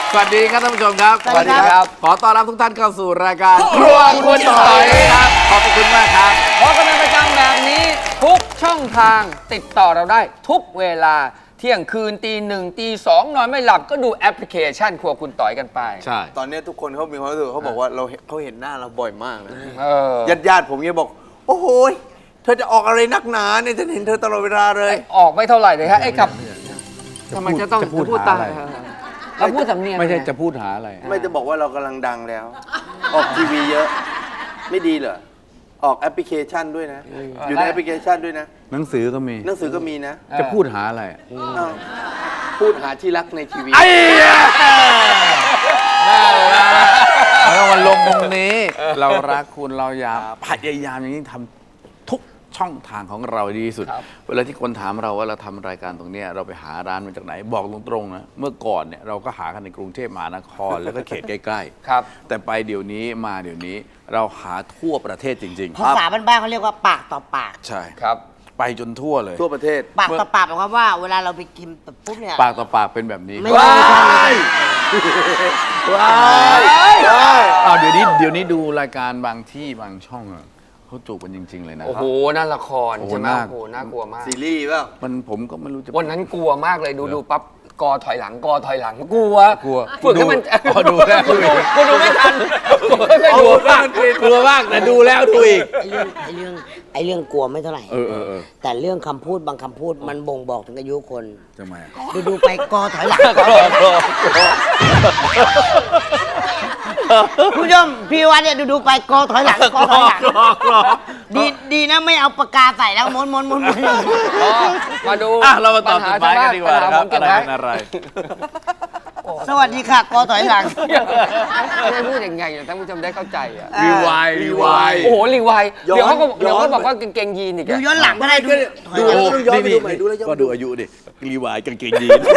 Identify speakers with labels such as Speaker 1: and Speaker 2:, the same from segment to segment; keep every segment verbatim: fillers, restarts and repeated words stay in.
Speaker 1: สวัสดีครับท่านผู้ชมครับ
Speaker 2: สวัสดีครับ
Speaker 1: ขอต้อนรับทุกท่านเข้าสู่รายการครัวคุณต่อยครับขอบคุณมากครับ
Speaker 2: เพราะกันเป็นประจำแบบนี้ทุกช่องทางติดต่อเราได้ทุกเวลาเที่ยงคืนตีหนึ่งตีสองนอนไม่หลับก็ดูแอปพลิเคชันครัวคุณต่อยกันไป
Speaker 1: ใช่
Speaker 3: ตอนนี้ทุกคนเขามีความรู้สึกเขาบอกว่าเราเขาเห็นหน้าเราบ่อยมากนะ
Speaker 2: เออ
Speaker 3: ญาติญาติๆผมเนี่ยบอก โอ้โหยเธอจะออกอะไรนักหนาเนี่ยฉันเห็นเธอตลอดเวลาเลย
Speaker 2: ออกไม่เท่าไหร่เลยฮะไอ้กับทำไมจะต้อง
Speaker 1: จะพูด
Speaker 2: พูด
Speaker 1: หา
Speaker 2: ตาม
Speaker 1: อะไร
Speaker 2: เราพูดสำเนียง
Speaker 1: ไม่ใช่จะพูดหาอะไร
Speaker 3: ไม่จะบอกว่าเรากำลังดังแล้ว ออกทีวีเยอะ ไม่ดีเหรอ ออกแอปพลิเคชันด้วยนะ อยู่ในแอปพลิเคชันด้วยนะ
Speaker 1: หนังสือก็มี
Speaker 3: หนังสือก็มีนะ
Speaker 1: จะพูดหาอะไร
Speaker 3: อ้าวพูดหาที่รักในทีวี
Speaker 1: ไอ้น่ารักแล้ววันลงตรงนี้ เรารักคุณเราอยากพยายามอย่างนี้ทำทุกช่องทางของเราดีที่สุด เวลาที่คนถามเราว่าเราทำรายการตรงเนี้ยเราไปหาร้านมาจากไหนบอกตรงๆนะเมื่อก่อนเนี่ยเราก็หากันในกรุงเทพมหานครแล้วก็เขตใกล้ๆ
Speaker 2: ครับ
Speaker 1: แต่ไปเดี๋ยวนี้มาเดี๋ยวนี้เราหาทั่วประเทศจริง
Speaker 4: ภาษาบ้านๆเขาเรียกว่าปากต่อปาก
Speaker 1: ๆ ใช่
Speaker 2: ครับ
Speaker 1: ไปจนทั่วเลย
Speaker 3: ทั่วประเทศ
Speaker 4: ปากต่อปากหมายความว่าเวลาเราไปกินปุ๊บเนี่ย
Speaker 1: ปากต่อปากเป็นแบบนี้
Speaker 4: ไม่ใช่ไม่ใช่ไม่ใช่
Speaker 3: ว้ายว้าย
Speaker 1: อ้าวเดี๋ยวนี้เดี๋ยวนี้ดูรายการบางที่บางช่องอะเขาจูบกันจริง ๆ เลยนะ
Speaker 2: โอ้โหนั่นละคร
Speaker 1: โอ้โห
Speaker 2: ใช่ไหม
Speaker 1: น่า
Speaker 2: โอ้โหน่ากลัวมาก
Speaker 3: ซีรีส์เปล่า
Speaker 1: มันผมก็ไม่รู้จะ
Speaker 2: วันนั้นกลัวมากเลยดูดูปั๊บกอถอยหลังกอถอยหลังกลัว
Speaker 1: กลัว
Speaker 2: ฝึกให้มัน
Speaker 1: อ๋อดูแล้ว
Speaker 2: กูดูกูดูไม่ทันกูไม่เคย
Speaker 1: ก
Speaker 2: ดู
Speaker 1: ลัวมากกลัวมากแต่ดูแล้วดูอีก
Speaker 4: ไอ้เรื่องไอ้เรื่องไอ้เรื่องกลัวไม่เท่าไหร่
Speaker 1: เออเออเออ
Speaker 4: แต่เรื่องคำพูดบางคำพูดมันบ่งบอกถึงอายุคน
Speaker 1: ทำไมอะ
Speaker 4: ดูดูไปกอถอยหลังคุณผู้ชมพี่วันเนี่ยดูดูไปกอถอยหลังกอถอยหลังดีดีนะไม่เอาปากกาใส่แล้วม้วนม้วนม้วนม้วน
Speaker 2: อ๋อมาดู
Speaker 1: อ่ะเรามาตอบจดหมายกันดีกว่า
Speaker 2: ปัญ
Speaker 1: นะ
Speaker 2: ห
Speaker 1: ครับ
Speaker 2: ผมเก็
Speaker 1: อะไร
Speaker 2: ไว้
Speaker 1: เป็นอะไร
Speaker 4: สวัสดีค่ะกอถอยหลัง
Speaker 2: ไม่ได้พูดยังไงท่านผู้ชมได้เข้าใจอ่ะ
Speaker 1: รีวายรีวาย
Speaker 2: โอ้โหรีไวด์เดี๋ยวเขาก็
Speaker 3: ย้อน
Speaker 2: เดี๋ยวเขาบอกว่ากางเกงยีนอีก
Speaker 4: ดู
Speaker 2: อะ
Speaker 4: ย้อนหลังก็ได้ดูถอย
Speaker 3: ดู
Speaker 4: หลัง
Speaker 3: ต้องย้อนไปดูใหม่ดูแล้วย้อน
Speaker 1: ก็ดูอายุดิรีวายกางเกงยีน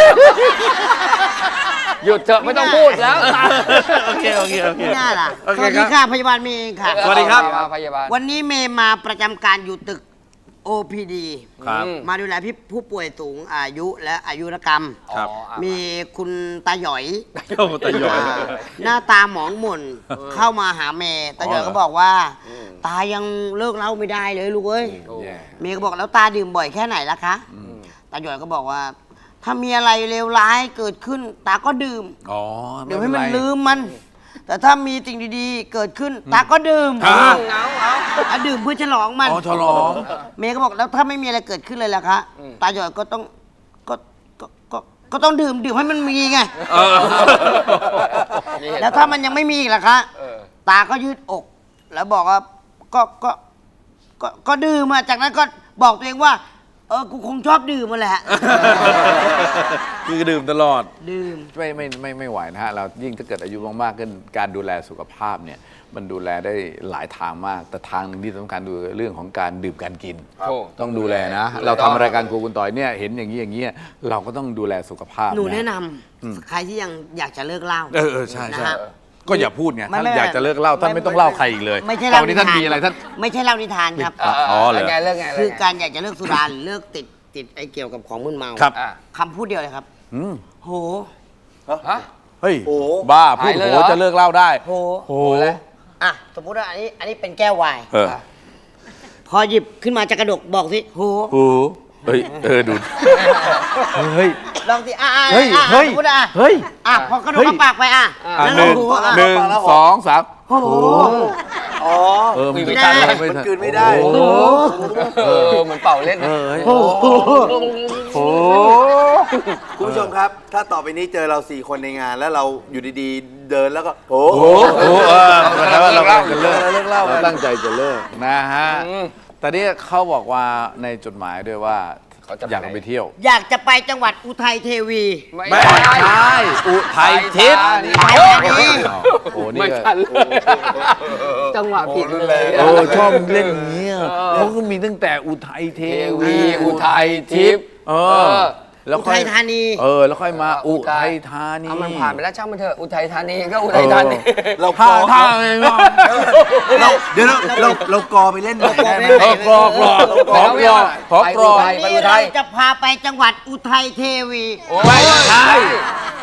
Speaker 2: หยุดเถอะไม่ต้องพูดแล้ว
Speaker 1: โอเคโอเคโอเค
Speaker 4: ไม่น่าล่ะ
Speaker 1: โอ
Speaker 4: ส
Speaker 1: เค
Speaker 4: วัส
Speaker 1: ค
Speaker 4: ดี
Speaker 1: รับ
Speaker 4: ค่ะพยาบาลเมย์เองค่ะ
Speaker 1: สวัสดีครับ
Speaker 2: พยาบาล
Speaker 4: วันนี้เมย์มาประจำการอยู่ตึก โอ พี ดี
Speaker 1: ครับ
Speaker 4: มาดูแลพี่ผู้ป่วยสูงอายุและอายุรกรรม
Speaker 1: ครับ
Speaker 2: อ๋ออ่ะ
Speaker 4: มีคุณตาหยอย
Speaker 1: โอ้ตาหยอย
Speaker 4: อ่าหน้าตาหมองหม่นเข้ามาหาเมย์ตาหยอย
Speaker 1: อ๋อเหรอ
Speaker 4: ก็บอกว่า ตายังเลิกเหล้าไม่ได้เลยลูกเอ้ย
Speaker 1: แย่
Speaker 4: เมย์ก็บอกแล้วตาดื่มบ่อยแค่ไหนล่ะคะตาหยอยก็บอกว่า ถ้ามีอะไรเลวร้ายเกิดขึ้น ตาก็ดื่ม
Speaker 1: อ๋อ
Speaker 4: เดี๋ยวให้มัน
Speaker 1: ไเป็ไร
Speaker 4: ลืมมัน แต่ถ้ามีสิ่งดีๆ เกิดขึ้น ตาก็ดื่ม
Speaker 1: ฮะ
Speaker 2: เอาเอา
Speaker 4: อ่ะดื่มเพื่อฉลองมัน
Speaker 1: อ๋อฉลอง
Speaker 4: เมย์ก็บอกแล้วถ้าไม่มีอะไรเกิดขึ้นเลยล่ะคะ ตาหยอยก็ต้องก็ก็ก็ก็ต้องดื่มดื่มให้มันมีไง
Speaker 1: เออ
Speaker 4: แล้วถ้ามันยังไม่มีอีกล่ะคะ
Speaker 2: เออ
Speaker 4: ตาก็ยืดอก แล้วบอกว่าก็ก็ก็ก็ดื่มมาจากนั้นก็บอกตัวเองว่า เออกูคงชอบดื่มมาแหละ
Speaker 1: คือดื่มตลอด
Speaker 4: ดื่ม
Speaker 1: ไม่ไม่ไม่ไม่ไหวนะฮะเรายิ่งถ้าเกิดอายุมากๆขึ้นการดูแลสุขภาพเนี่ยมันดูแลได้หลายทางมาก แต่ทางหนึ่งที่สำคัญดูเรื่องของการดื่มการกิน
Speaker 2: โอ้
Speaker 1: ต้องดูแลนะ เราทำรายการครูคุณต่อยเนี่ยเห็นอย่างนี้อย่างนี้เราก็ต้องดูแลสุขภาพ
Speaker 4: หนูแนะนำใครที่ยังอยากจะเลิกเหล้า
Speaker 1: เออเออใช่
Speaker 4: นะ
Speaker 1: ใช่
Speaker 4: ฮะ
Speaker 1: ก็อย่าพูดไง
Speaker 4: ไม่
Speaker 1: ท่าน
Speaker 4: ไม่
Speaker 1: อยากจะเลิกเหล้าท่าน
Speaker 4: ไม่
Speaker 1: ไม่ต้องเล่าใครอีกเลย
Speaker 4: ไม่ใช่
Speaker 1: ต
Speaker 4: เล่า
Speaker 1: อนนี้ท่าน
Speaker 4: นิทาน
Speaker 1: มีอะไรท่าน
Speaker 4: ไม่ใช่เล่านิทานครับ
Speaker 1: อ๋อเหรอ
Speaker 2: ไงเรื่องไง
Speaker 4: คือ
Speaker 2: เรื่งไง
Speaker 4: การอยากจะเลิกสุราหรือเลิกติดติดไอ้เกี่ยวกับของมึนเมา
Speaker 1: ครับ
Speaker 2: อ่ะ
Speaker 4: คำพูดเดียวเลยครับ
Speaker 1: อืม
Speaker 4: โห
Speaker 2: ฮะ
Speaker 1: เฮ้ย
Speaker 3: โอ้
Speaker 1: บ้าพูด
Speaker 2: หายเลย
Speaker 1: โห
Speaker 2: เหรอ
Speaker 1: จะเลิกเหล้าได้
Speaker 4: โห
Speaker 1: โห
Speaker 4: อ่ะสมมุติว่าอันนี้อันนี้เป็นแก้วไวน์
Speaker 1: เออ
Speaker 4: พอหยิบขึ้นมาจะกระดกบอกสิโห
Speaker 1: โหเฮ้ยเออดูเฮ้ย
Speaker 4: ลองสิอ่ะอ่ะ
Speaker 1: เฮ้ย
Speaker 4: อ่ะ
Speaker 1: เฮ้ย
Speaker 4: สมมติอ่ะ
Speaker 1: เฮ้ย
Speaker 4: อ่ะพอกระดก
Speaker 1: เฮ้ย
Speaker 4: เข้าปากไปอ่ะ
Speaker 1: อ่ะ
Speaker 4: แล้ว
Speaker 1: ห
Speaker 4: ลอง
Speaker 1: นึ่ง
Speaker 4: ดูอ่ะ
Speaker 1: หนึ่งสองสาม
Speaker 4: โอ้โห
Speaker 3: อ๋อ
Speaker 1: เออ
Speaker 2: ไม่
Speaker 1: ไม่
Speaker 2: ทั
Speaker 1: ทั
Speaker 2: น
Speaker 1: น
Speaker 2: เลย
Speaker 1: ไม่
Speaker 3: มัน
Speaker 1: ทัน
Speaker 3: กลืนไม่ได้
Speaker 1: โอ้โห
Speaker 2: เออเหมือนเป่าเล่น
Speaker 1: เอ
Speaker 2: นะ
Speaker 1: อเฮ้ย
Speaker 4: โอ้โห
Speaker 1: โอ้
Speaker 3: คุณผู้ชมครับ ถ้าต่อไปนี้เจอเราสี่คนในงาน แล้วเราอยู่ดีๆ เดินแล้วก็โอ้
Speaker 1: โหโอ้โหเออแปลว่าเรากำลังจะเลิก
Speaker 3: เลิกเหล้า
Speaker 1: เราตั้งใจจะเลิกนะฮะ
Speaker 2: อืม
Speaker 1: แต่นี่เขาบอกว่าในจดหมายด้วยว่า
Speaker 2: เขาจะไป
Speaker 1: อยากไปเที่ยว
Speaker 4: อยากจะไปจังหวัดอุทัยเทวี
Speaker 1: ไม่ใช่อุทัยทิพย์
Speaker 4: อุทัยธานี
Speaker 1: อ้าวโอ้นี่
Speaker 2: ไม่
Speaker 1: ก็
Speaker 2: ทันเลยจังหวะผิดเลย
Speaker 1: โอ้ชอบเล่นอย่างเงี้ยเขาก็มีตั้งแต่อุทัยเท
Speaker 2: เท
Speaker 1: วี
Speaker 2: วีอุทัยทิพย์
Speaker 1: เออ แล้ว
Speaker 4: อุ
Speaker 1: ค่อ
Speaker 4: ทั
Speaker 1: ย
Speaker 4: ยธานี
Speaker 1: เออ แล้วค่อยมาอุทัยธานี
Speaker 2: เอามันผ่านไปแล้วช่างมันเถอะอุทัยธานีก็อุทัยธานี
Speaker 3: เรา
Speaker 1: ท่า
Speaker 3: อ
Speaker 1: ท่าไงวะ
Speaker 3: เราเดี๋ยวเราเราเรากอไปเล่นหน่อยได้ไหม
Speaker 1: เออกรอกรอกขอกรอกขอกรอก
Speaker 2: ไป
Speaker 4: นี่
Speaker 2: อุทั
Speaker 4: เรา
Speaker 2: ย
Speaker 4: จะพาไปจังหวัดอุทัยเทวี
Speaker 1: ไม่ใช่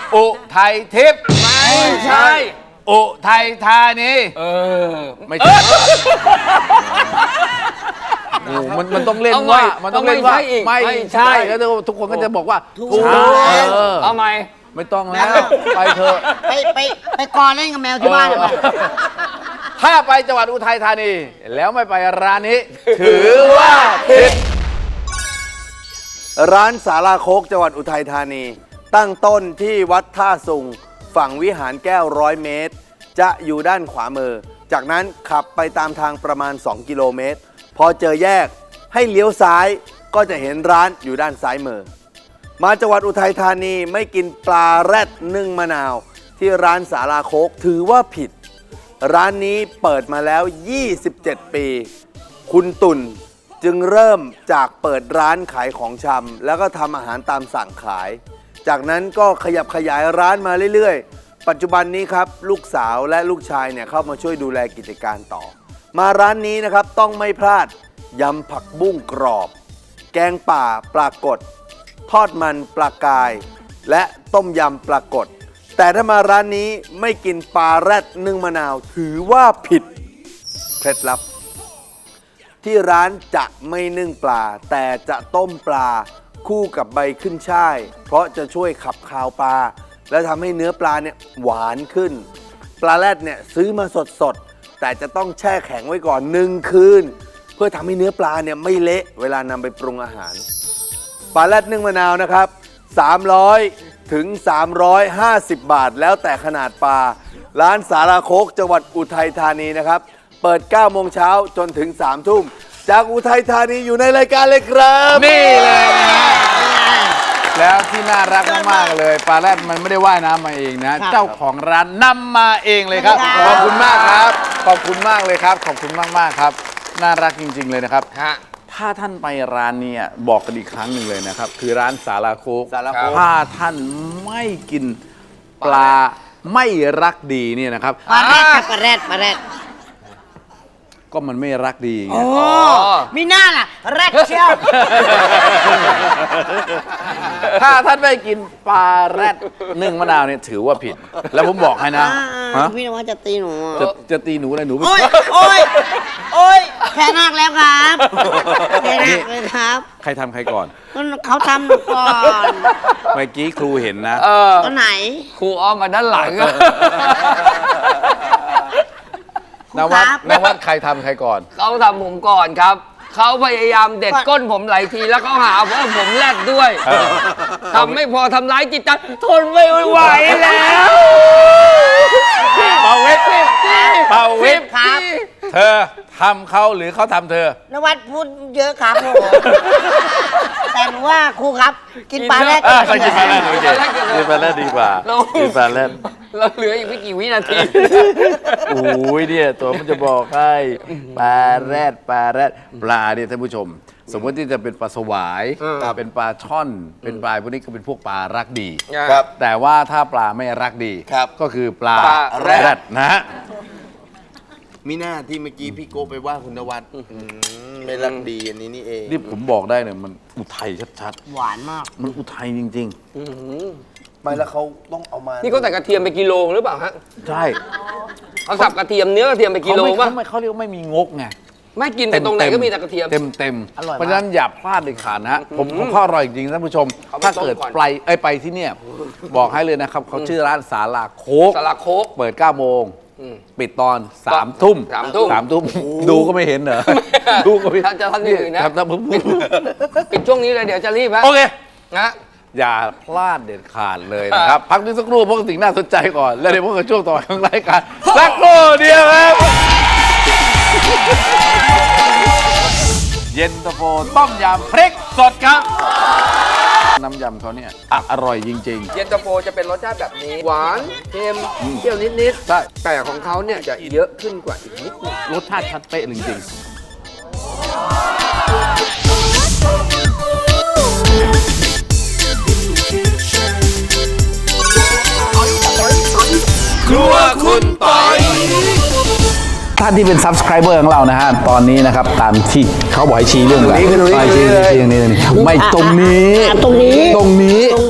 Speaker 1: อุทัยทิพย์
Speaker 2: ไม่ใช่
Speaker 1: อุทัยธานี
Speaker 2: เออ
Speaker 1: ไม่ใช่โอ้มันมันต้องเล่น
Speaker 2: เอาใหม่
Speaker 1: ว่ามันต้องเล่นว่า
Speaker 2: ต้องไม่ใช่อีก
Speaker 1: ไม่
Speaker 2: ไม่ใช่
Speaker 1: ใช่แล้วทุกคนก็จะบอกว่า
Speaker 4: ถูก
Speaker 1: ใช่
Speaker 4: แล้ว
Speaker 1: เออ
Speaker 2: เอาไหม
Speaker 1: ไม่ต้องแล้ว ไปเถอะ
Speaker 4: ไปไปไปกอเล่นกับแมวที่บ้านเลย
Speaker 1: ถ้าไปจังหวัดอุทัยธานี แล้วไม่ไปร้านนี้ ถือว่าผิด
Speaker 3: ร้านสาราโคกจังหวัดอุทัยธานี ตั้งต้นที่วัดท่าสุงฝั่งวิหารแก้วร้อยเมตร จะอยู่ด้านขวามือ จากนั้นขับไปตามทางประมาณ สอง กิโลเมตร พอเจอแยกให้เลี้ยวซ้ายก็จะเห็นร้านอยู่ด้านซ้ายมือ มาจังหวัดอุทัยธานีไม่กินปลาแรดนึ่งมะนาว ที่ร้านสาราโคกถือว่าผิด ร้านนี้เปิดมาแล้ว ยี่สิบเจ็ด ปี คุณตุ่นจึงเริ่มจากเปิดร้านขายของชำแล้วก็ทำอาหารตามสั่งขาย จากนั้นก็ขยับขยายร้านมาเรื่อยๆ ปัจจุบันนี้ครับลูกสาวและลูกชายเนี่ยเข้ามาช่วยดูแลกิจการต่อ มาร้านนี้นะครับต้องไม่พลาดยำผักบุ้งกรอบ แกงป่าปลากด ทอดมันปลากาย และต้มยำปลากด แต่ถ้ามาร้านนี้ไม่กินปลาแรดนึ่งมะนาวถือว่าผิดเคล็ดลับ ที่ร้านจะไม่นึ่งปลา แต่จะต้มปลาคู่กับใบขึ้นช่าย เพราะจะช่วยขับคาวปลา และทำให้เนื้อปลาเนี่ยหวานขึ้น ปลาแรดเนี่ยซื้อมาสดๆ แต่จะต้องแช่แข็งไว้ก่อนหนึ่งคืน เพื่อทำให้เนื้อปลาเนี่ยไม่เละเวลานำไปปรุงอาหาร ปลาแรดนึ่งมะนาวนะครับ สามร้อย ถึง สามร้อยห้าสิบ บาท แล้วแต่ขนาดปลา ร้านสาราโคกจังหวัดอุทัยธานีนะครับ เปิด เก้า โมงเช้าจนถึง สาม ทุ่ม จากอุทัยธานีอยู่ในรายการเลยครับ
Speaker 1: นี่เลยนะฮะแล้วที่น่ารักมากๆเลยปลาแรดมันไม่ได้ว่ายน้ำมาเองนะ เจ้าของร้านนำมาเองเลยครับ
Speaker 4: ครับ
Speaker 1: ขอบคุณมากครับ ขอบคุณมากเลยครับ ขอบคุณมากๆครับ น่ารักจริง ๆเลยนะครับ
Speaker 2: ฮะ
Speaker 1: ถ้าท่านไปร้านเนี้บอกกันอีกครั้งหนึ่งเลยนะครับ คือร้านสาราโคก
Speaker 3: สาราโคก
Speaker 1: ถ้าท่านไม่กินปลาไม่รักดีเนี่ยนะครับ
Speaker 4: ปลาแรดกับปลาแรดปลาแรด
Speaker 1: ก็มันไม่รักดีไง
Speaker 4: โอ้มีหน้าล่ะแรดเชียว
Speaker 1: ถ้าท่านไม่กินปลาแรดนึ่งมะนาวเนี่ยถือว่าผิด แล้วผมบอกให้นะ
Speaker 4: อ่า
Speaker 1: ฮะ
Speaker 4: พี่นวัดจะตีหนูอ่ะ
Speaker 1: จะจะตีหนูอะไรหนู
Speaker 4: โอ้ยโอ้ยโอ้ยแค่นักแล้วครับแค่นักเลยครับ
Speaker 1: ใครทำใครก่อน
Speaker 4: เขาทำหนูก่อน
Speaker 1: เมื่อกี้ครูเห็นนะ
Speaker 2: เออ
Speaker 4: ตอนไหน
Speaker 2: ครูอ้อมมาด้านหลังอะ
Speaker 1: นวัดนวัดใครทำใครก่อน
Speaker 2: เขาทำผมก่อนครับ เขาพยายามเด็ดก้นผมหลายทีแล้วเขาหาว่าผมแรดด้วย
Speaker 1: เออ
Speaker 2: ทำไม่พอทำร้ายจิตใจทนไม่ไหวแล้ว
Speaker 1: เป่าวิทย์เป่าวิทย์
Speaker 4: ครับ
Speaker 1: เธอทำเขาหรือเขาทำเธอ
Speaker 4: นวัดพูดเยอะครับผมแต่หนูว่าครูครับ กินปลาแรด
Speaker 1: อ่ะไปกินปลาแรดโอเคกินปลาแรดดีกว่า
Speaker 2: เรา
Speaker 1: กินปลาแรด
Speaker 2: เราเหลืออีกไม่กี่วินาที
Speaker 1: โอ้ยเนี่ยตัวมันจะบอกให้ปลาแรดปลาแรดปลาเนี่ยท่านผู้ชม สมมติที่จะเป็นปลาสวาย
Speaker 2: เออ
Speaker 1: เป็นปลาช่อน เป็นปลาพวกนี้ก็เป็นพวกปลารักดี
Speaker 3: ครับ
Speaker 1: แต่ว่าถ้าปลาไม่รักดี
Speaker 3: ครับ
Speaker 1: ก็คือปลา
Speaker 2: ปลาแรด
Speaker 1: ดนะฮะ
Speaker 3: มิน่าที่เมื่อกี้พี่โก้ไปว่าคุณนวัดอืมไม่รักดีอันนี้นี่เอง
Speaker 1: นี่ผมบอกได้เนี่ยมันอุทัยชัด
Speaker 4: หวานมาก
Speaker 1: ๆ มันอุทัยจริง
Speaker 3: ไม่แล้วเขาต้องเอามา
Speaker 2: นี่เขาใส่กระเทียมไปกิโลหรือเปล่าฮะ
Speaker 1: ๆ ใช่
Speaker 2: เขาสับกระเทียมเนื้อกระเทียมไปกิ
Speaker 1: เขา
Speaker 2: โล
Speaker 1: ไม่
Speaker 2: ป่ะ
Speaker 1: เขาไม่เขาเรียกว่าไม่มีงกไง
Speaker 2: ไม่กินแต่ตรงไหนก็มีแต่กระเทียม
Speaker 1: เต็มเต็ม
Speaker 4: อร่อยมาก
Speaker 1: เพราะฉะนั้นอย่าพลาดเด็ดขาดนะฮะผมผมข้ออร่อยจริงๆท่านผู้ชม
Speaker 2: เขาไป
Speaker 1: ถ้า
Speaker 2: ต้ม
Speaker 1: เกิด
Speaker 2: ก่อน
Speaker 1: ไปเอ้ยไปที่เนี่ย บอกให้เลยนะครับเขาชื่อร้านสาลาโคก
Speaker 2: สาราโคก
Speaker 1: เปิดเก้าโมง
Speaker 2: อืม
Speaker 1: ปิดตอนสามทุ่ม
Speaker 2: สามทุ่ม
Speaker 1: สามทุ่มดูก็ไม่เห็นเหรอดูก็ไม่
Speaker 2: ถ้าจะทำอย่างอื่นนะ
Speaker 1: ทำทำผม
Speaker 2: ปิดช่วงนี้เลยเดี๋ยวจะรีบฮะ
Speaker 1: โอเค
Speaker 2: นะ
Speaker 1: อย่าพลาดเด็ดขาดเลยนะครับ พักนิดสักครู่เพราะสิ่งน่าสนใจก่อน แล้วเดี๋ยวพบกับช่วงต่อไปของรายการสักครู่เดียวครับเย็นตาโฟต้มยำพริกสดครับ น้ำยำเขาเนี่ยอ่ะอร่อยจริง
Speaker 2: เย็นตาโฟจะเป็นรสชาติแบบนี้ หวานเค็มเปรี้ยวนิดๆ
Speaker 1: ใช่
Speaker 2: แต่ของเขาเนี่ยจะเยอะขึ้นกว่าอีกนิดนึง
Speaker 1: ๆ รสชาติชัดเป๊ะจริงๆ ครัวคุณปอยท่านที่เป็น subscriber ของเรานะฮะ ตอนนี้นะครับ ตามที่เขาบอกให้ชี้เรื่องอะไร
Speaker 3: ตรงนี้คือตรงนี้
Speaker 1: ไปชี้
Speaker 3: เลย
Speaker 1: ชี้ตรงนี้ตรงนี้ไม่ตรงนี้
Speaker 4: อ่ะตรงนี้
Speaker 1: ตรงนี้